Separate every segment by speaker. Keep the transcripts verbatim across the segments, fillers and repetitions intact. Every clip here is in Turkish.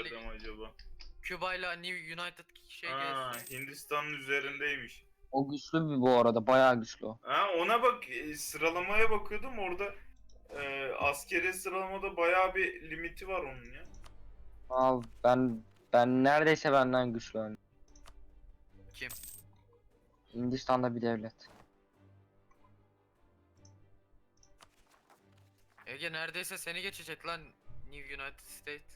Speaker 1: yerde mi acaba?
Speaker 2: Küba ile New United şey
Speaker 1: Aa,
Speaker 2: gelsin.
Speaker 1: Hindistan'ın üzerindeymiş.
Speaker 3: O güçlü bir bu arada. Bayağı güçlü o.
Speaker 1: Ha, ona bak, e, sıralamaya bakıyordum orada, e, askeri sıralamada bayağı bir limiti var onun ya.
Speaker 3: Abi ben ben neredeyse benden güçlü yani.
Speaker 2: Kim?
Speaker 3: Hindistan'da bir devlet.
Speaker 2: Ege neredeyse seni geçecek lan New United States.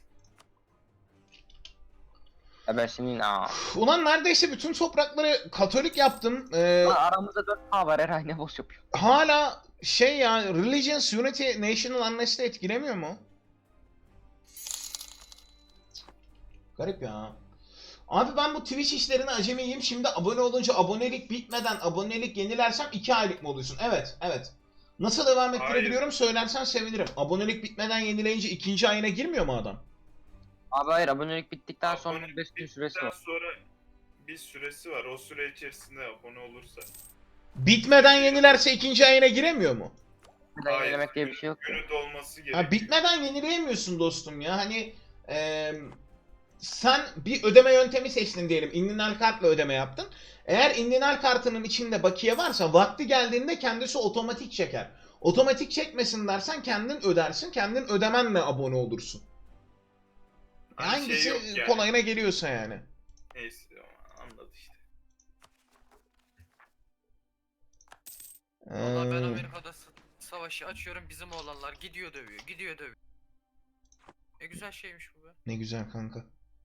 Speaker 3: Ya ben şimdi aa.
Speaker 4: Ulan neredeyse bütün toprakları Katolik yaptım. Ee,
Speaker 3: Lan aramızda dört A var, Eray ne boş yapıyor.
Speaker 4: hala şey ya, Religions Unity National Unrest'i etkilemiyor mu? Garip ya. Abi ben bu Twitch işlerine acemiyim. Şimdi abone olunca abonelik bitmeden abonelik yenilersem iki aylık mı oluyorsun? Evet, evet. Nasıl devam ettirebiliyorum söylersen sevinirim. Abonelik bitmeden yenileyince ikinci ayına girmiyor mu adam?
Speaker 3: Abi hayır, abonelik bittikten sonra
Speaker 1: Abonelik
Speaker 3: beş gün süresi
Speaker 1: bittikten
Speaker 3: var.
Speaker 1: sonra bir süresi var. O süre içerisinde abone olursa.
Speaker 4: Bitmeden yenilerse ikinci ayına giremiyor mu?
Speaker 3: Bir de yenilemek diye bir şey yok.
Speaker 1: Günü dolması gerekiyor.
Speaker 4: Ha, bitmeden yenileyemiyorsun dostum ya. Hani eee, sen bir ödeme yöntemi seçtin diyelim. Indinal kartla ödeme yaptın. Eğer indinal kartının içinde bakiye varsa vakti geldiğinde kendisi otomatik çeker. Otomatik çekmesin dersen kendin ödersin. Kendin ödemenle abone olursun.
Speaker 1: Hani
Speaker 4: Hangisi
Speaker 1: şey yok yani.
Speaker 4: kolayına geliyorsa yani.
Speaker 1: Neyse, anladı işte.
Speaker 2: Vallahi ben
Speaker 4: Ee,
Speaker 2: Amerika'da s- savaşı açıyorum, bizim oğlanlar gidiyor dövüyor, gidiyor dövüyor. Ne güzel şeymiş bu be.
Speaker 4: ne güzel kanka.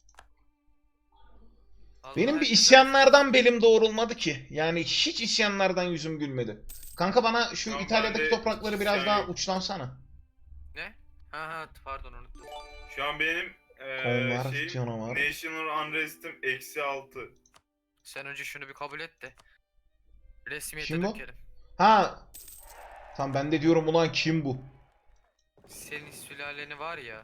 Speaker 2: Allah
Speaker 4: Benim bir
Speaker 2: herkese-
Speaker 4: isyanlardan belim doğrulmadı ki. Yani hiç isyanlardan yüzüm gülmedi. Kanka bana şu
Speaker 1: Tamam,
Speaker 4: İtalya'daki
Speaker 1: ben de
Speaker 4: toprakları biraz
Speaker 1: isyan
Speaker 4: daha
Speaker 1: yok.
Speaker 4: uçlansana.
Speaker 2: Ne? Ha ha pardon unuttum.
Speaker 1: Şu an benim eee
Speaker 4: Konvar,
Speaker 1: şey,
Speaker 4: canavar.
Speaker 1: National Unrest'im eksi altı.
Speaker 2: Sen önce şunu bir kabul et de. Resmiyete
Speaker 4: Kim bu?
Speaker 2: dökelim.
Speaker 4: Ha. Tamam, ben de diyorum ulan kim bu?
Speaker 2: Senin sülaleni var ya.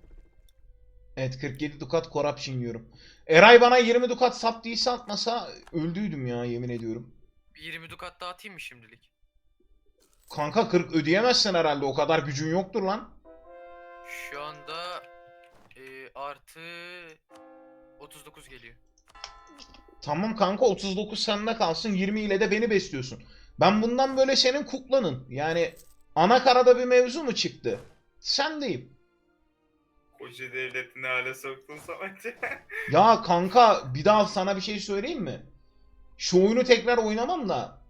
Speaker 4: Evet, kırk yedi dukat corruption yiyorum. Eray bana yirmi dukat sap değilse atmasa öldüydüm ya, yemin ediyorum.
Speaker 2: Bir yirmi dukat daha atayım mı şimdilik?
Speaker 4: Kanka kırk ödeyemezsin herhalde, o kadar gücün yoktur lan.
Speaker 2: Şu anda e, artı otuz dokuz geliyor.
Speaker 4: Tamam kanka, otuz dokuz sende kalsın, yirmi ile de beni besliyorsun. Ben bundan böyle senin kuklanın. Yani ana karada bir mevzu mu çıktı? Sendeyim.
Speaker 1: Koca devletini hale soktun Samet.
Speaker 4: Ya kanka bir daha sana bir şey söyleyeyim mi? Şu oyunu tekrar oynamam da.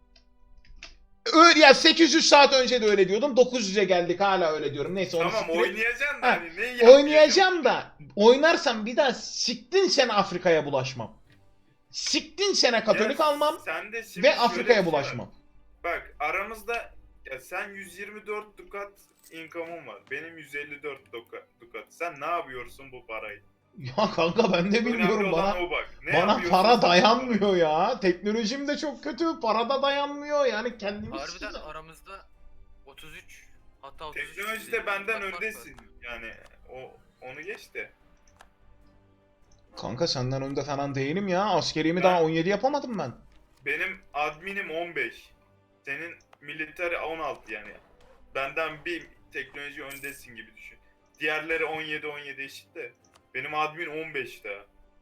Speaker 4: Öyle ya, sekiz yüz saat önce de öyle diyordum. dokuz yüze geldik, hala öyle diyorum. Neyse onu
Speaker 1: Tamam,
Speaker 4: siktir et.
Speaker 1: oynayacaksın da
Speaker 4: Ha,
Speaker 1: hani ne yapıyorsun?
Speaker 4: Oynayacağım da oynarsam bir daha siktin sene Afrika'ya bulaşmam. Siktin sene Katolik
Speaker 1: Ya
Speaker 4: almam
Speaker 1: sen de şimdi
Speaker 4: ve
Speaker 1: şöyle
Speaker 4: Afrika'ya
Speaker 1: bir şey var.
Speaker 4: bulaşmam.
Speaker 1: Bak aramızda, ya sen yüz yirmi dört dukat income'un var. Benim yüz elli dört dukat. dukat. Sen ne yapıyorsun bu parayı?
Speaker 4: Ya kanka ben de
Speaker 1: Önemli
Speaker 4: bilmiyorum,
Speaker 1: olan
Speaker 4: bana
Speaker 1: o bak. Ne
Speaker 4: bana
Speaker 1: yapıyorsun
Speaker 4: para
Speaker 1: sen?
Speaker 4: dayanmıyor ya. Teknolojim de çok kötü, para da dayanmıyor. Yani kendimi
Speaker 2: Harbiden
Speaker 4: sikeceğim.
Speaker 2: aramızda otuz üç hatta otuz üç
Speaker 1: Teknolojide benden
Speaker 2: dukat fark var.
Speaker 1: öndesin. Yani o onu geç de.
Speaker 4: Kanka senden önde falan değilim ya. Askerimi
Speaker 1: Ben-
Speaker 4: daha on yedi yapamadım ben.
Speaker 1: Benim adminim on beş. Senin military on altı yani. Benden bir teknoloji öndesin gibi düşün. Diğerleri on yedi on yedi eşit de. Benim admin on beş daha.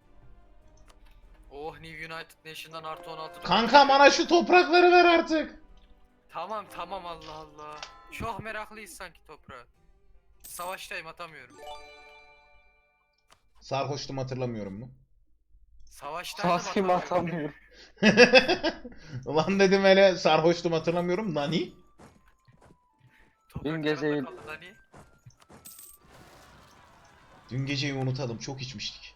Speaker 2: Oh, New United Nation'dan artı on altı dukat
Speaker 4: Kanka
Speaker 2: geliyor.
Speaker 4: bana şu toprakları ver artık.
Speaker 2: Tamam tamam Allah Allah. Çok meraklıyız sanki toprağa. Savaştayım, atamıyorum.
Speaker 4: Sarhoştum, hatırlamıyorum mu?
Speaker 2: Savaştaydım,
Speaker 3: Saskim
Speaker 2: atamıyorum.
Speaker 3: atamıyorum.
Speaker 4: Ulan dedim hele, sarhoştum hatırlamıyorum. Nani?
Speaker 2: Topraklarımda
Speaker 3: gezeyin.
Speaker 2: kaldı hani.
Speaker 4: Dün geceyi unutalım, çok içmiştik.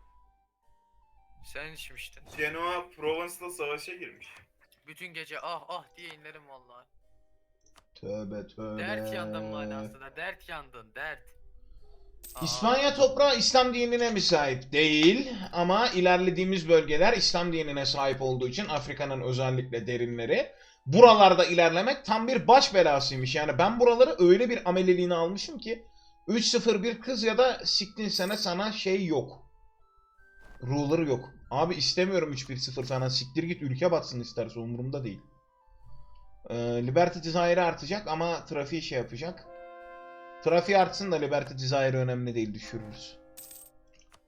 Speaker 2: Sen içmiştin.
Speaker 1: Genoa Provence'la savaşa girmiş.
Speaker 2: Bütün gece ah ah diye inlerim vallahi.
Speaker 4: Tövbe tövbe.
Speaker 2: Dert yandın manasında. Dert yandın, dert. Aa,
Speaker 4: İspanya toprağı İslam dinine müsait değil ama ilerlediğimiz bölgeler İslam dinine sahip olduğu için Afrika'nın özellikle derinleri, buralarda ilerlemek tam bir baş belasıymış. Yani ben buraları öyle bir ameliliğine almışım ki üç sıfır bir kız ya da siktin sene sana şey yok. Ruler yok. Abi istemiyorum üç bir sıfır falan, siktir git, ülke batsın isterse, umurumda değil. Ee, Liberty Desire artacak ama trafiği şey yapacak. Trafiği artsın da Liberty Desire önemli değil, düşürürüz.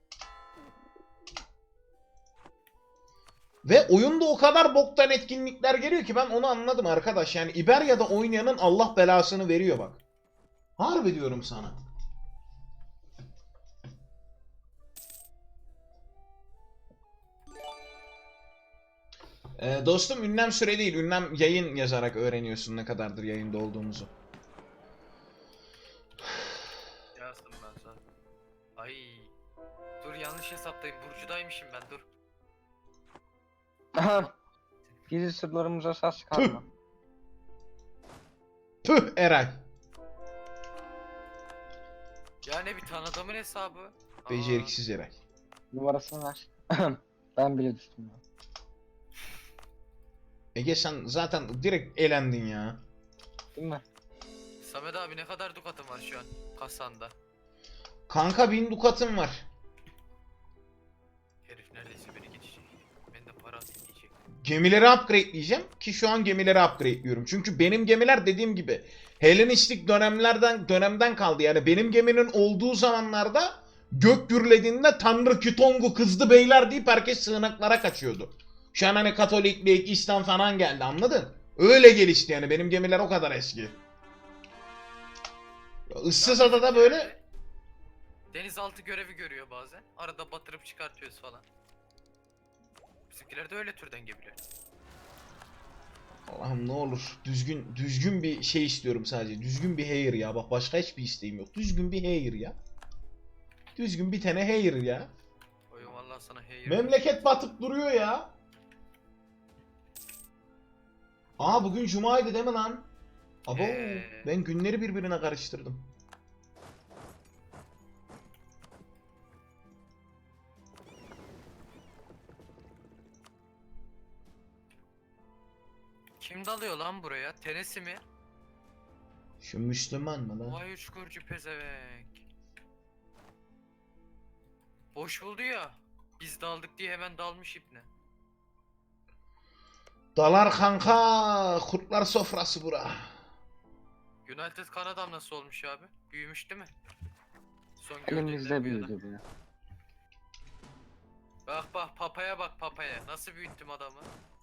Speaker 4: Ve oyunda o kadar boktan etkinlikler geliyor ki ben onu anladım arkadaş. Yani İberya'da oynayanın Allah belasını veriyor bak. Harbi diyorum sana. Ee, dostum ünlem süre değil. Ünlem yayın yazarak öğreniyorsun ne kadardır yayında olduğumuzu.
Speaker 2: Yazdım ben zaten. Ay. Dur yanlış hesaptayım. Burcu'daymışım ben dur.
Speaker 3: Gizli sırlarımıza sas kalma.
Speaker 4: Püh Eray.
Speaker 2: Yani bir tanıdığımın hesabı. Aa,
Speaker 4: Beceriksiz Eray.
Speaker 3: Numarasını ver. Ben bile düştüm ya.
Speaker 4: Ege sen zaten direkt elendin ya.
Speaker 3: Değil mi?
Speaker 2: Samet abi ne kadar dukatın var şu an kasanda?
Speaker 4: Kanka bin dukatım var.
Speaker 2: Herif neredeyse beni geçecek. Ben de para atayım diyecek.
Speaker 4: Gemileri upgradeleyeceğim ki şu an gemileri upgrade'liyorum. Çünkü benim gemiler dediğim gibi Helenistik dönemlerden dönemden kaldı. Yani benim geminin olduğu zamanlarda gök gürlediğinde Tanrı Kütongu kızdı beyler deyip herkes sığınaklara kaçıyordu. Şu an hani Katoliklik, İslam falan geldi anladın? Öyle gelişti yani benim gemiler o kadar eski. Issız adada böyle
Speaker 2: Denizaltı görevi görüyor bazen. Arada batırıp çıkartıyoruz falan. Bizimkiler de öyle türden gemiler.
Speaker 4: Allah'ım ne olur düzgün düzgün bir şey istiyorum sadece. Düzgün bir hair ya. Bak başka hiçbir isteğim yok. Düzgün bir hair ya. Düzgün bir tane hair ya.
Speaker 2: Oyun vallahi sana hey.
Speaker 4: Memleket batıp duruyor ya. Aa bugün cumaydı değil mi lan? Abo
Speaker 2: Ee.
Speaker 4: ben günleri birbirine karıştırdım.
Speaker 2: Kim dalıyor lan buraya? Tenesi mi?
Speaker 4: Şu Müslüman mı lan?
Speaker 2: Vay uçkurcu pezevenk. Boş buldu ya. Biz daldık diye hemen dalmış ipne.
Speaker 4: Dalar kanka. Kurtlar sofrası bura.
Speaker 2: United Kanada'm nasıl olmuş abi? Büyümüş değil mi? Son gördüğümden
Speaker 3: Elimizde
Speaker 2: bu yana.
Speaker 3: büyüdü bu ya.
Speaker 2: Bak bak papaya bak papaya. Nasıl büyüttüm adamı?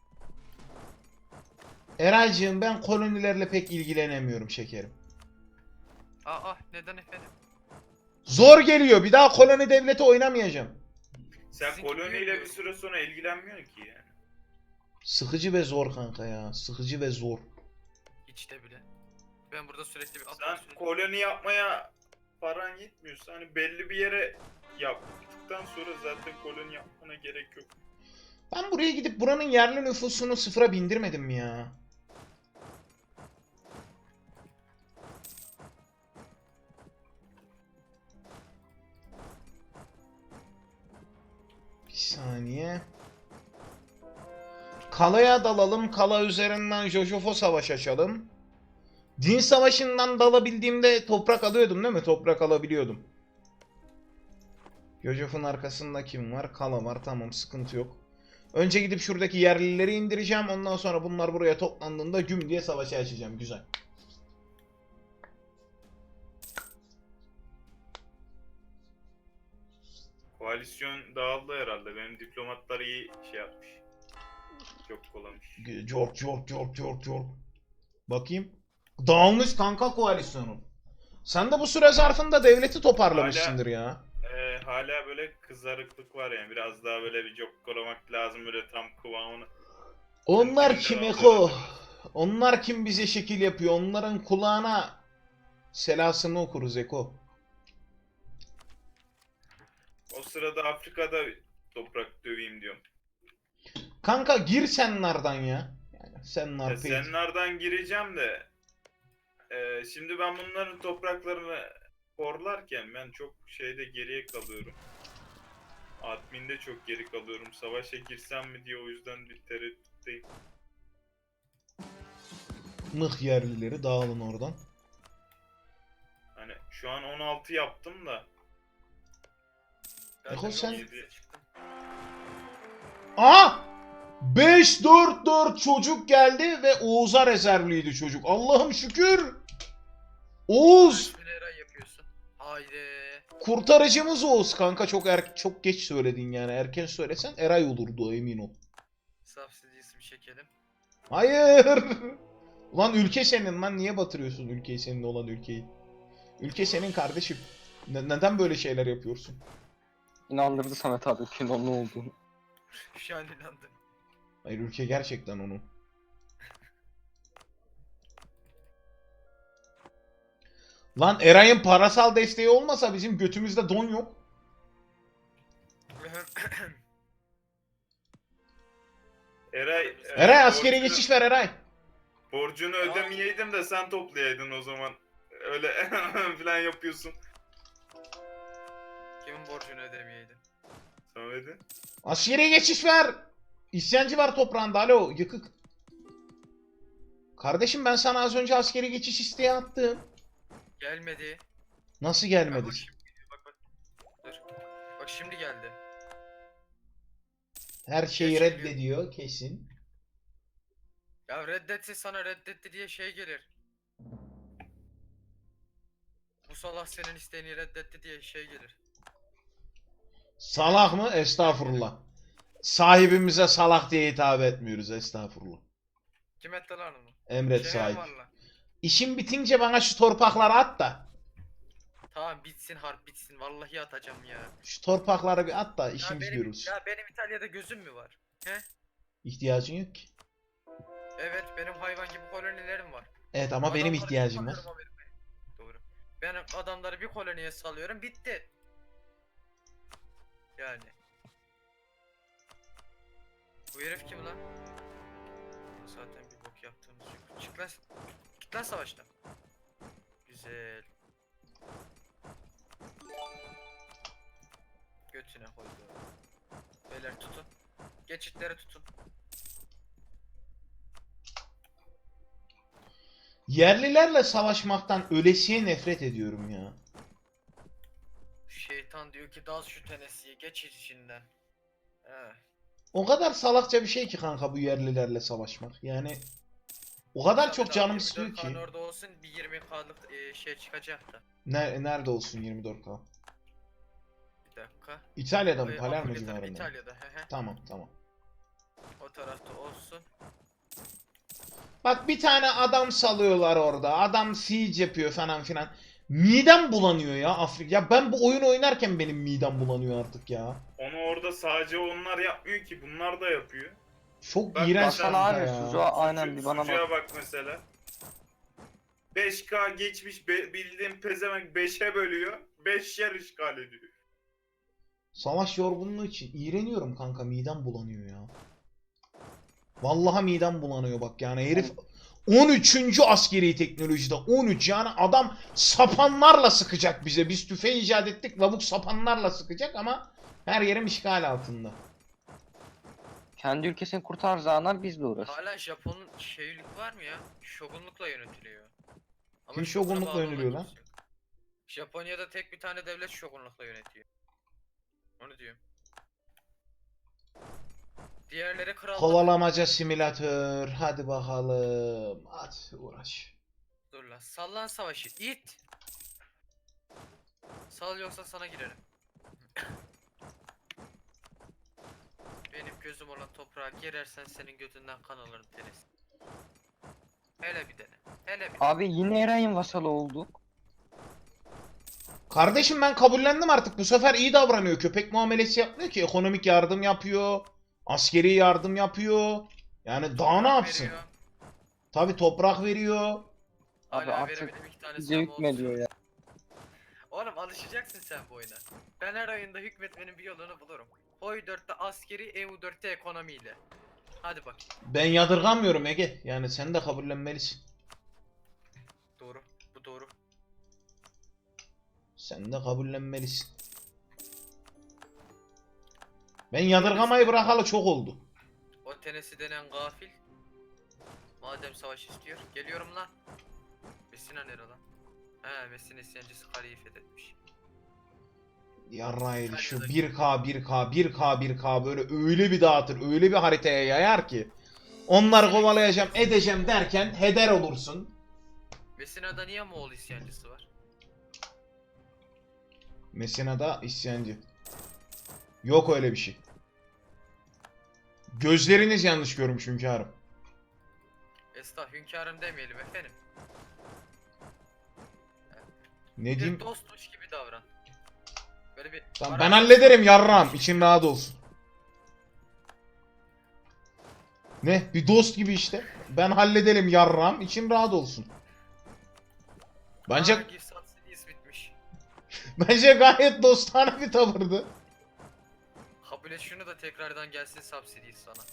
Speaker 4: Eraycığım ben kolonilerle pek ilgilenemiyorum şekerim.
Speaker 2: Aa neden efendim?
Speaker 4: Zor geliyor. Bir daha koloni devleti oynamayacağım.
Speaker 1: Sen
Speaker 2: Sizinki
Speaker 1: koloniyle
Speaker 2: büyük
Speaker 1: bir süre sonra ilgilenmiyorsun ki yani.
Speaker 4: Sıkıcı ve zor kanka ya. Sıkıcı ve zor.
Speaker 2: Hiç de bile. Ben burada sürekli bir
Speaker 1: Sen
Speaker 2: atmosfer-
Speaker 1: koloni yapmaya paran yetmiyorsa hani belli bir yere yaptıktan sonra zaten koloni yapmana gerek yok.
Speaker 4: Ben buraya gidip buranın yerli nüfusunu sıfıra bindirmedim mi ya? Bir saniye. Kala'ya dalalım. Kala üzerinden Jojofo savaş açalım. Din savaşından dalabildiğimde toprak alıyordum değil mi? Toprak alabiliyordum. Jojof'un arkasında kim var? Kala var. Tamam sıkıntı yok. Önce gidip şuradaki yerlileri indireceğim. Ondan sonra bunlar buraya toplandığında güm diye savaşı açacağım. Güzel.
Speaker 1: Koalisyon dağıldı herhalde. Benim diplomatlar iyi şey yapmış. Çok kolamış.
Speaker 4: Cork cork cork cork cork. Bakayım. Dağılmış kanka koalisyonun. Sen de bu süre zarfında devleti toparlamışsındır ya.
Speaker 1: Ee, hala böyle kızarıklık var yani. Biraz daha böyle bir cokkolamak lazım böyle tam kıvamını.
Speaker 4: Onlar kim Eko? Onlar kim bize şekil yapıyor? Onların kulağına selasını okuruz Eko.
Speaker 1: O sırada Afrika'da toprak döveyim diyorum.
Speaker 4: Kanka gir senlardan ya. Yani senlar
Speaker 1: Ya
Speaker 4: peki.
Speaker 1: senlerden gireceğim de e, şimdi ben bunların topraklarını korlarken ben çok şeyde geriye kalıyorum. Admin'de çok geri kalıyorum. Savaşa girsem mi diye o yüzden bir tereddütteyim.
Speaker 4: Mıh yerlileri dağılın oradan.
Speaker 1: Hani şu an on altı yaptım da.
Speaker 2: Ben
Speaker 4: Eko
Speaker 2: de
Speaker 4: sen-
Speaker 2: yol yediye çıktım.
Speaker 4: Aha! beş dört dört çocuk geldi ve Oğuz'a rezervliydi çocuk. Allah'ım şükür. Oğuz
Speaker 2: İsmini Eray yapıyorsun. Haydi.
Speaker 4: kurtarıcımız Oğuz kanka çok er çok geç söyledin yani. Erken söylesen Eray olurdu emin ol.
Speaker 2: Subsidies'i bir çekelim.
Speaker 4: Hayır. Ulan ülke senin lan, niye batırıyorsun ülkeyi, senin olan ülkeyi? Ülke senin kardeşim. Ne- neden böyle şeyler yapıyorsun?
Speaker 3: İnandırdı Samet abi ülkenin onun olduğunu.
Speaker 2: Şu an inandım.
Speaker 4: Hayır, ülke gerçekten onun. Lan Eray'ın parasal desteği olmasa bizim götümüzde don yok.
Speaker 1: Eray,
Speaker 4: Eray
Speaker 1: e,
Speaker 4: askeri
Speaker 1: borcunu-
Speaker 4: geçiş ver Eray.
Speaker 1: Borcunu ödemeyeydin de sen toplayaydın o zaman. Öyle falan yapıyorsun.
Speaker 2: Kimin borcunu ödemeyeydin?
Speaker 1: Samet'in.
Speaker 4: Askeri geçiş ver. İsyancı var toprağında, alo yıkık. Kardeşim ben sana az önce askeri geçiş isteği attım.
Speaker 2: Gelmedi.
Speaker 4: Nasıl
Speaker 2: Bak,
Speaker 4: gelmedi?
Speaker 2: bak şimdi, bak bak. Dur. Bak şimdi geldi.
Speaker 4: Her şeyi
Speaker 2: Geç geliyor.
Speaker 4: reddediyor kesin.
Speaker 2: Ya reddetti, sana reddetti diye şey gelir. Bu salak senin isteğini reddetti diye şey gelir.
Speaker 4: Salak mı? Estağfurullah. Sahibimize salak diye hitap etmiyoruz, estağfurullah.
Speaker 2: Kim etti lan onu?
Speaker 4: Emret
Speaker 2: Şey
Speaker 4: sahip.
Speaker 2: var lan.
Speaker 4: İşin bitince bana şu torpakları at da.
Speaker 2: Tamam bitsin harp bitsin. Vallahi atacağım ya.
Speaker 4: Şu torpakları bir at da
Speaker 2: Ya
Speaker 4: işimiz
Speaker 2: benim,
Speaker 4: görülsün.
Speaker 2: ya benim İtalya'da gözüm mü var? He?
Speaker 4: İhtiyacın yok ki.
Speaker 2: Evet benim hayvan gibi kolonilerim var.
Speaker 4: Evet ama benim
Speaker 2: Adamları
Speaker 4: ihtiyacım var.
Speaker 2: salıyorum Amerika'ya. Doğru. Ben adamları bir koloniye salıyorum bitti. Yani. Bu herif kim lan? Zaten bir bok yaptığımız yok. Çık lan. Git lan savaştan. Güzel. Götüne koydu. Beyler tutun. Geçitleri tutun.
Speaker 4: Yerlilerle savaşmaktan ölesiye nefret ediyorum ya.
Speaker 2: Şeytan diyor ki dal şu tenesiye geç içinden. He.
Speaker 4: O kadar salakça bir şey ki kanka bu yerlilerle savaşmak. Yani o kadar
Speaker 2: Tabii
Speaker 4: çok
Speaker 2: daha
Speaker 4: canım
Speaker 2: yirmi dört
Speaker 4: istiyor
Speaker 2: K'nın
Speaker 4: ki.
Speaker 2: orada olsun bir yirmi K'lık e, şey çıkacak da.
Speaker 4: Ne, nerede olsun yirmi dört K?
Speaker 2: Bir dakika.
Speaker 4: İtalya'da mı?
Speaker 2: Ay,
Speaker 4: Palermo
Speaker 2: Apollo tarafı
Speaker 4: civarında mı?
Speaker 2: İtalya'da. He he.
Speaker 4: Tamam tamam.
Speaker 2: O tarafta olsun.
Speaker 4: Bak bir tane adam salıyorlar orada. Adam siege yapıyor falan filan. Midem bulanıyor ya Afrika. Ya ben bu oyun oynarken benim midem bulanıyor artık ya.
Speaker 1: Onu orada sadece onlar yapmıyor ki, bunlar da yapıyor.
Speaker 4: Çok
Speaker 1: Bak,
Speaker 4: iğrenç
Speaker 1: baksana
Speaker 4: kanka
Speaker 3: abi,
Speaker 4: ya.
Speaker 3: Suzo- Aynen,
Speaker 1: Sucu-
Speaker 3: bir bana bak.
Speaker 1: Sucuğa bak mesela. beş K geçmiş, be, bildiğin pezevenk beşe bölüyor. beş yer işgal ediyor.
Speaker 4: Savaş yorgunluğu için iğreniyorum kanka, midem bulanıyor ya. Vallahi midem bulanıyor bak yani herif on üçüncü askeri teknolojide on üç, yani adam sapanlarla sıkacak bize. Biz tüfeği icat ettik, lavuk sapanlarla sıkacak ama her yerim işgal altında.
Speaker 3: Kendi ülkesini kurtaracağına bizle uğraş.
Speaker 2: Hala Japon'un şeylik var mı ya? Şogunlukla yönetiliyor. Ama
Speaker 4: Kim
Speaker 2: şoguna
Speaker 4: şogunlukla
Speaker 2: bağlı olan
Speaker 4: yöneliyor lan?
Speaker 2: kimse yok. Japonya'da tek bir tane devlet şogunlukla yönetiyor. Onu diyorum. Diğerleri krallık.
Speaker 4: Kovalamaca simülatör. Hadi bakalım. Hadi uğraş.
Speaker 2: Dur lan. Sallan savaşı. İt. Sal yoksa sana girerim. Benim gözüm olan toprağa girersen senin götünden kan alırım Deniz. Hele bir dene. Hele bir dene.
Speaker 3: Abi yine Eray'ın vasalı olduk.
Speaker 4: Kardeşim ben kabullendim artık. Bu sefer iyi davranıyor. Köpek muamelesi yapmıyor ki. Ekonomik yardım yapıyor. Askeri yardım yapıyor. Yani daha ne
Speaker 2: Toprak
Speaker 4: yapsın?
Speaker 2: veriyor.
Speaker 4: Tabi toprak veriyor.
Speaker 3: Abi
Speaker 2: Hala
Speaker 3: artık
Speaker 2: veremedim iki tane
Speaker 3: Bize
Speaker 2: silahım oldu.
Speaker 3: hükmediyor ya.
Speaker 2: Oğlum alışacaksın sen bu oyuna. Ben her oyunda hükmetmenin bir yolunu bulurum. Hoy dörtte askeri, E U dörtte ekonomiyle. Hadi bak.
Speaker 4: Ben yadırgamıyorum Ege. Yani sen de kabullenmelisin.
Speaker 2: Doğru. Bu doğru.
Speaker 4: Sen de kabullenmelisin. Ben yadırgamayı bırakalı çok oldu.
Speaker 2: O tenesi denen gafil. Madem savaş istiyor. Geliyorum lan. Messina nere lan? He Messina isyancısı kaleyi fethetmiş.
Speaker 4: Yarraydı şu bir K bir K bir K bir K böyle öyle bir dağıtır, öyle bir haritaya yayar ki. Onları kovalayacağım, edeceğim derken heder olursun.
Speaker 2: Messina'da niye Moğol isyancısı var?
Speaker 4: Messina'da isyancı. Yok öyle bir şey. Gözleriniz yanlış görmüş hünkârım.
Speaker 2: Estağ hünkârım demeyelim efendim.
Speaker 4: Ne
Speaker 2: Bir
Speaker 4: diyeyim?
Speaker 2: dostmuş gibi davran. Böyle bir...
Speaker 4: Tamam,
Speaker 2: Para-
Speaker 4: ben hallederim yarram. İçin rahat olsun. Ne? Bir dost gibi işte. Ben hallederim yarram. İçin rahat olsun. Bence
Speaker 2: Aa, Gift Subsidies bitmiş.
Speaker 4: bence gayet dostane bir tavırdı.
Speaker 2: Kabul et şunu da tekrardan gelsin Subsidies sana.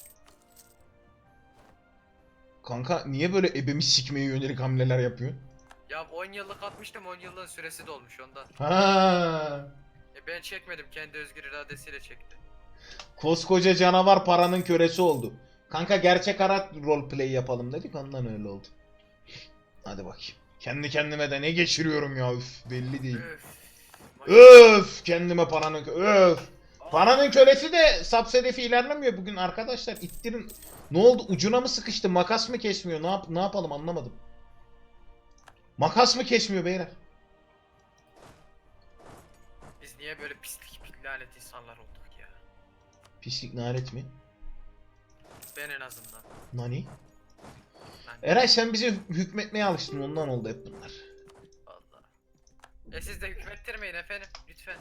Speaker 4: Kanka niye böyle ebemi sikmeye yönelik hamleler yapıyor?
Speaker 2: Ya on yıllık atmıştım, on yılın süresi dolmuş ondan.
Speaker 4: Ha.
Speaker 2: E ben çekmedim, kendi özgür iradesiyle çekti.
Speaker 4: Koskoca canavar paranın kölesi oldu. Kanka gerçek hayat roleplay yapalım dedik, ondan öyle oldu. Hadi bakayım. Kendi kendime de ne geçiriyorum ya, üf belli değil.
Speaker 2: Öf.
Speaker 4: Öf kendime paranın kö- öf. Paranın kölesi de subsedefi ilerlemiyor bugün arkadaşlar, ittirin. Ne oldu, ucuna mı sıkıştı, makas mı kesmiyor, ne, yap ne yapalım anlamadım. Makas mı kesmiyor beyler?
Speaker 2: Biz niye böyle pislik lanet insanlar olduk ya?
Speaker 4: Pislik nalet mi?
Speaker 2: Ben en azından.
Speaker 4: Nani?
Speaker 2: Ben
Speaker 4: Eray sen bize hükmetmeye alıştın, ondan oldu hep bunlar.
Speaker 2: vallahi. E siz de hükmettirmeyin efendim lütfen.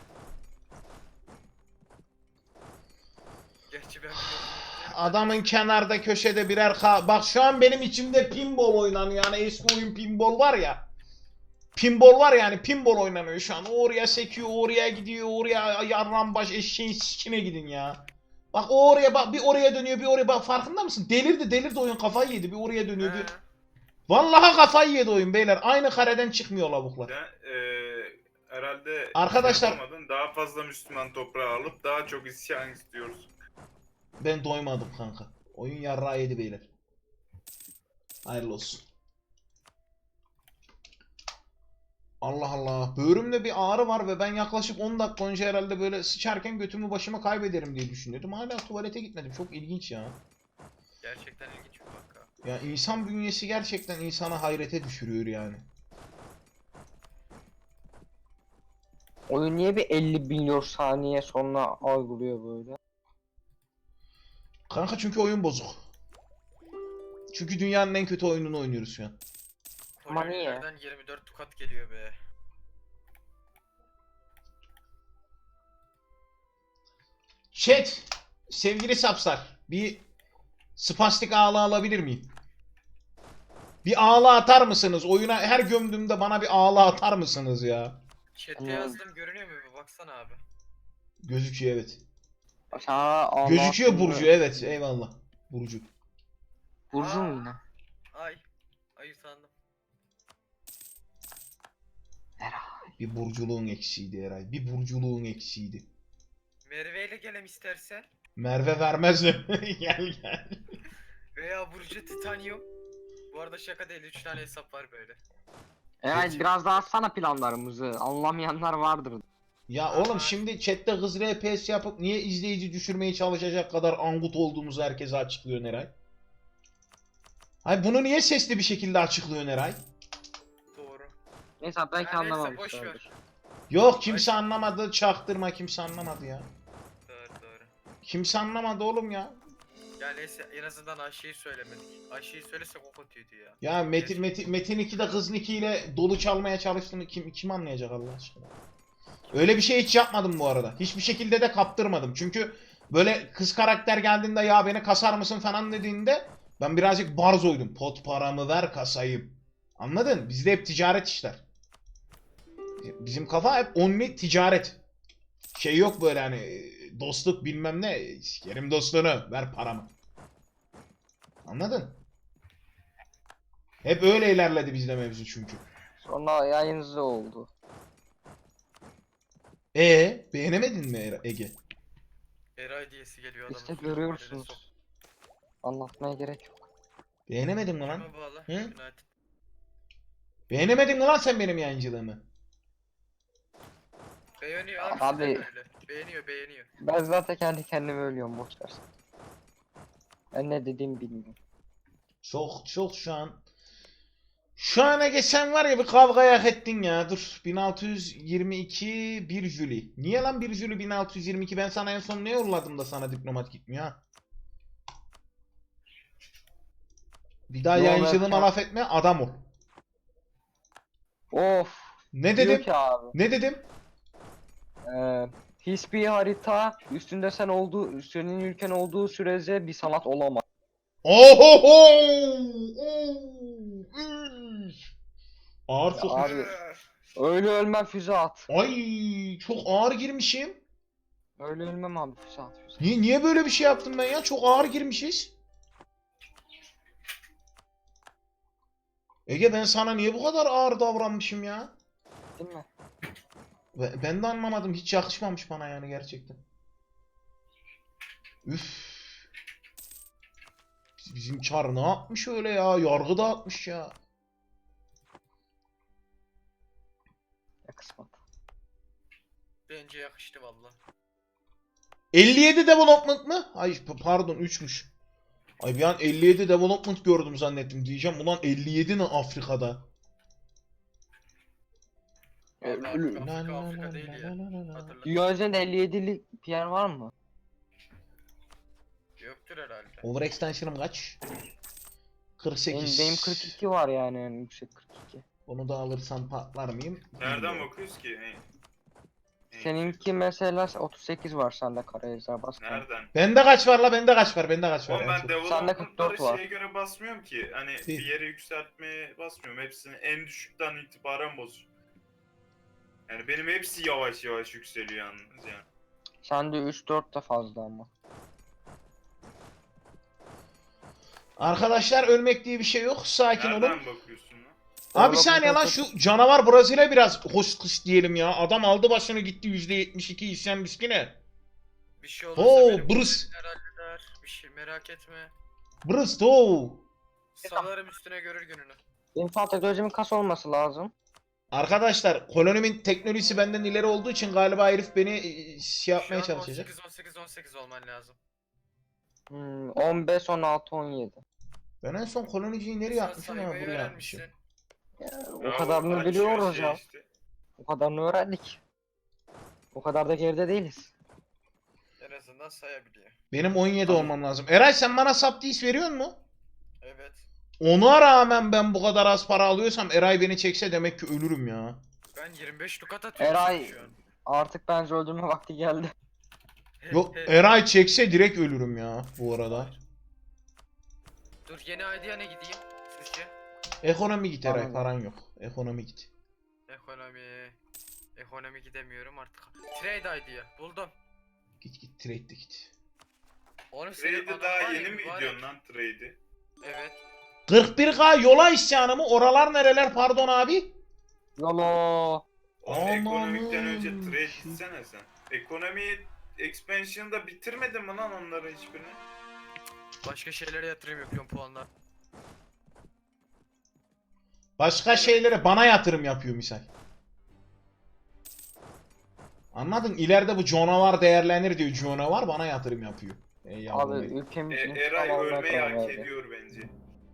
Speaker 2: Gerçi ben biliyorum.
Speaker 4: Adamın kenarda köşede birer ka... Bak şu an benim içimde pinball oynanıyor, yani eski oyun pinball var ya. Pinball var yani, pinball oynanıyor şu an. Oraya sekiyor, oraya gidiyor, oraya yarram baş eşeğin sikine gidin ya. Bak o oraya bak, bir oraya dönüyor, bir oraya bak, farkında mısın? Delirdi, delirdi oyun, kafayı yedi, bir oraya dönüyor, bir...
Speaker 2: He.
Speaker 4: Vallahi kafayı yedi oyun beyler. Aynı kareden çıkmıyor lavuklar.
Speaker 1: Sen eee herhalde
Speaker 4: Arkadaşlar-
Speaker 1: şey yapamadın, daha fazla Müslüman toprağı alıp daha çok isyan istiyoruz.
Speaker 4: Ben doymadım kanka. Oyun yarrağı yedi beyler. Hayırlı olsun. Allah Allah. Böğrümde bir ağrı var ve ben yaklaşık on dakika önce herhalde böyle sıçarken götümü başıma kaybederim diye düşünüyordum. Hala tuvalete gitmedim. Çok ilginç ya.
Speaker 2: Gerçekten ilginç bir vaka.
Speaker 4: Ya insan bünyesi gerçekten insana hayrete düşürüyor yani.
Speaker 3: Oyun niye bir elli milyon saniye sonra algılıyor böyle?
Speaker 4: Kanka çünkü oyun bozuk. Çünkü dünyanın en kötü oyununu oynuyoruz şu an.
Speaker 3: Ama niye?
Speaker 2: Kolonilerden yirmi dört tukat geliyor be.
Speaker 4: Chat, sevgili sapsar, bir spastik ağla alabilir miyim? Bir ağla atar mısınız? Oyuna her gömdüğümde bana bir ağla atar mısınız ya?
Speaker 2: Chat'e
Speaker 3: Tamam.
Speaker 2: yazdım, görünüyor mu bir baksana abi.
Speaker 4: Gözüküyor evet.
Speaker 3: Sana Allah
Speaker 4: Gözüküyor
Speaker 3: hakkında-
Speaker 4: Burcu, evet, eyvallah. Burcu.
Speaker 3: Burcu mu yine?
Speaker 2: Ay. Ay utandım.
Speaker 4: Bir burculuğun eksiydi Eray. Bir burculuğun eksiydi.
Speaker 2: Merve ile gelem istersen.
Speaker 4: Merve vermez mi? Gel gel.
Speaker 2: Veya Burcu Titanium. Bu arada şaka değil, üç tane hesap var böyle.
Speaker 3: Eğer
Speaker 4: Peki.
Speaker 3: biraz daha atsana planlarımızı. Anlamayanlar vardır.
Speaker 4: Ya oğlum şimdi chatte kız R P S yapıp niye izleyici düşürmeye çalışacak kadar angut olduğumuzu herkese açıklıyor Eray. Hayır, bunu niye sesli bir şekilde açıklıyor Eray?
Speaker 2: Doğru.
Speaker 3: Neyse belki
Speaker 2: Ha, neyse, boş
Speaker 3: anlamamışlardır.
Speaker 4: Yok kimse anlamadı, çaktırma, kimse anlamadı ya.
Speaker 2: Doğru doğru.
Speaker 4: Kimse anlamadı oğlum ya.
Speaker 2: Ya neyse, en azından Ayşe'yi söylemedik. Ayşe'yi söylesek o kötüydü ya.
Speaker 4: Ya Metin Metin Metin ikide kız Niki ile dolu çalmaya çalıştığını kim kim anlayacak Allah aşkına? Öyle bir şey hiç yapmadım bu arada. Hiçbir şekilde de kaptırmadım. Çünkü böyle kız karakter geldiğinde ya beni kasar mısın falan dediğinde ben birazcık barzoydum. Pot paramı ver kasayım. Anladın? Bizde hep ticaret işler. Bizim kafa hep only ticaret. Şey yok böyle hani dostluk bilmem ne. Sikerim dostluğunu, ver paramı. Anladın? Hep öyle ilerledi bizde mevzu çünkü.
Speaker 3: Sonra yayıncı oldu.
Speaker 4: E beğenemedin mi E- Ege?
Speaker 2: Eray diyesi geliyor adamın.
Speaker 3: İşte
Speaker 2: sözünü
Speaker 3: görüyorsunuz.
Speaker 2: nereye sok-
Speaker 3: Anlatmaya gerek yok.
Speaker 4: Beğenemedin mi lan?
Speaker 2: Kime bağlı?
Speaker 4: Hı?
Speaker 2: United.
Speaker 4: Beğenemedin mi lan sen benim yayıncılığımı?
Speaker 2: Beğeniyor abi,
Speaker 3: Abi-
Speaker 2: abi. Öyle. Beğeniyor beğeniyor.
Speaker 3: Ben zaten kendi kendime ölüyorum, boş ver. Ben ne dediğimi bilmiyorum.
Speaker 4: Çok çok şu an. Şu ana geçen var ya bir kavgaya hak ettin ya. Dur. bin altı yüz yirmi iki bir Jüli. Niye lan bir Jüli bin altı yüz yirmi iki? Ben sana en son ne yolladım da sana diplomat gitmiyor ha? Bir daha
Speaker 3: Yo,
Speaker 4: yayıncılığıma
Speaker 3: ben-
Speaker 4: laf etme, adam ol.
Speaker 3: Of.
Speaker 4: Ne
Speaker 3: Diyor
Speaker 4: dedim?
Speaker 3: ki abi.
Speaker 4: Ne dedim?
Speaker 3: Ee, hiçbir harita üstünde sen olduğu, senin ülken olduğu sürece bir sanat olamaz.
Speaker 4: Ohoho! Ağır
Speaker 3: Ya
Speaker 4: çok.
Speaker 3: abi, öyle ölmem füze at.
Speaker 4: Ay çok ağır girmişim.
Speaker 3: Öyle ölmem abi, füze at füze.
Speaker 4: Niye niye böyle bir şey yaptım ben ya? Çok ağır girmişiz. Ege ben sana niye bu kadar ağır davranmışım ya?
Speaker 3: Değil mi?
Speaker 4: Ve- Ben de anlamadım. Hiç yakışmamış bana yani gerçekten. Üf. Biz- Bizim Çar ne yapmış öyle ya? Yargı dağıtmış ya.
Speaker 3: Ya kısmet.
Speaker 2: Bence yakıştı valla.
Speaker 4: elli yedi development mı? Ay p- pardon üçmüş. Ay bir an elli yedi development gördüm zannettim diyeceğim. Ulan elli yedi ne Afrika'da?
Speaker 3: Ee,
Speaker 2: Vallahi
Speaker 3: ölü-
Speaker 2: Afrika,
Speaker 4: La
Speaker 2: Afrika,
Speaker 4: la
Speaker 2: Afrika
Speaker 4: la
Speaker 2: değil
Speaker 4: la
Speaker 2: ya.
Speaker 4: la la la.
Speaker 2: Hatırla.
Speaker 3: Dünya üzerinde elli yedilik bir yer var mı?
Speaker 2: Yoktur herhalde.
Speaker 4: Overextension'ım kaç? kırk
Speaker 3: Benim,
Speaker 4: sekiz.
Speaker 3: benim kırk iki var yani, yani yüksek kırk iki.
Speaker 4: Onu da alırsam patlar mıyım?
Speaker 1: Nereden
Speaker 4: Bilmiyorum.
Speaker 1: bakıyoruz ki? Hey. Hey.
Speaker 3: Seninki mesela otuz sekiz var sende, Karayezer bas.
Speaker 1: Nereden?
Speaker 4: Bende kaç var la? Bende kaç var? Bende kaç var?
Speaker 1: Oğlum
Speaker 4: En
Speaker 1: ben
Speaker 4: çok.
Speaker 3: Sende kırk
Speaker 1: development'ları
Speaker 3: dört var.
Speaker 1: şeye göre basmıyorum ki. Hani bir yere yükseltmeye basmıyorum. Hepsini en düşükten itibaren basıyorum. Yani benim hepsi yavaş yavaş yükseliyor yalnız yani.
Speaker 3: Sende üç dört de fazla ama.
Speaker 4: Arkadaşlar ölmek diye bir şey yok. Sakin olun.
Speaker 1: Nereden bakıyorsun lan?
Speaker 4: Abi bir saniye lan, şu canavar Brezilya biraz hoş kış diyelim ya. Adam aldı başını gitti yüzde yetmiş iki isyan riskine.
Speaker 2: Bir şey olursa
Speaker 4: Oo,
Speaker 2: benim
Speaker 4: brız.
Speaker 2: kuzenler halleder. Bir şey merak etme.
Speaker 4: Brız to.
Speaker 2: Salarım üstüne görür gününü.
Speaker 3: İnsan teknolojimin kas olması lazım.
Speaker 4: Arkadaşlar kolonimin teknolojisi benden ileri olduğu için galiba herif beni e, şey yapmaya
Speaker 2: Şu an
Speaker 4: çalışacak.
Speaker 2: on sekiz on sekiz on sekiz olman lazım.
Speaker 3: Hmm, on beş, on altı, on yedi.
Speaker 4: Ben en son koloniciyi nereye
Speaker 2: Sen
Speaker 4: atmışım ama
Speaker 2: saymayı
Speaker 4: buraya atmışım.
Speaker 2: öğrenmişsin.
Speaker 3: O
Speaker 1: Bravo,
Speaker 3: kadarını
Speaker 1: açıyor
Speaker 3: biliyoruz
Speaker 1: şey
Speaker 3: ya.
Speaker 1: işte.
Speaker 3: O kadarını öğrendik. O kadar da geride değiliz.
Speaker 2: En azından sayabiliyor.
Speaker 4: Benim on yedi
Speaker 3: Tamam.
Speaker 4: olmam lazım. Eray sen bana subdis veriyor mu?
Speaker 2: Evet.
Speaker 4: Ona rağmen ben bu kadar az para alıyorsam Eray beni çekse demek ki ölürüm ya.
Speaker 2: Ben yirmi beş dukat atıyorum
Speaker 3: Eray-
Speaker 2: şu an.
Speaker 3: Artık bence öldürme vakti geldi.
Speaker 4: Yok Eray çekse direkt ölürüm ya bu arada.
Speaker 2: Dur yeni idea ne gideyim sizce?
Speaker 4: Ekonomi git Eray,
Speaker 3: Anladım.
Speaker 4: paran yok. Ekonomi git.
Speaker 2: Ekonomi. Ekonomi gidemiyorum artık. Trade idea buldum.
Speaker 4: Git git trade de git.
Speaker 2: Oğlum senin
Speaker 1: Trade'i
Speaker 2: adam
Speaker 1: daha
Speaker 2: var ya,
Speaker 1: yeni mi
Speaker 2: mübarek.
Speaker 1: gidiyorsun lan trade'i?
Speaker 2: Evet.
Speaker 4: kırk bir K yola isyanı mı? Oralar nereler pardon abi?
Speaker 3: Yolo.
Speaker 1: Oğlum
Speaker 4: Aman
Speaker 1: ekonomikten önce
Speaker 4: Allah'ım.
Speaker 1: trade gitsene sen. Ekonomi expansion'da bitirmedin mi lan onların hiçbirini?
Speaker 2: Başka şeylere yatırım yapıyorum puanlar.
Speaker 4: Başka şeylere bana yatırım yapıyor misal. Anladın? İleride bu canavar değerlenir diyor. Canavar bana yatırım yapıyor. Ey yavrum
Speaker 3: Abi
Speaker 4: benim.
Speaker 3: ülkemiz
Speaker 1: E,
Speaker 3: intikam
Speaker 1: Eray
Speaker 3: almaya
Speaker 1: ölmeyi
Speaker 3: karar
Speaker 1: hak
Speaker 3: verdi.
Speaker 1: ediyor bence.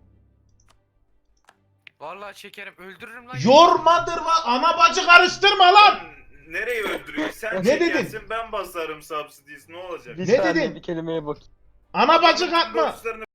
Speaker 2: Vallahi çekerim öldürürüm lan.
Speaker 4: Yormadır va ana bacı karıştırma lan.
Speaker 1: Lan nereye öldürüyorsun? Sen
Speaker 4: Ne
Speaker 1: çekersin ben basarım subsidies ne olacak?
Speaker 3: Bir
Speaker 4: Ne
Speaker 3: saniye
Speaker 4: dedin?
Speaker 3: bir kelimeye bak.
Speaker 4: Ana bacı
Speaker 1: Adamın
Speaker 4: katma.
Speaker 1: borçlarını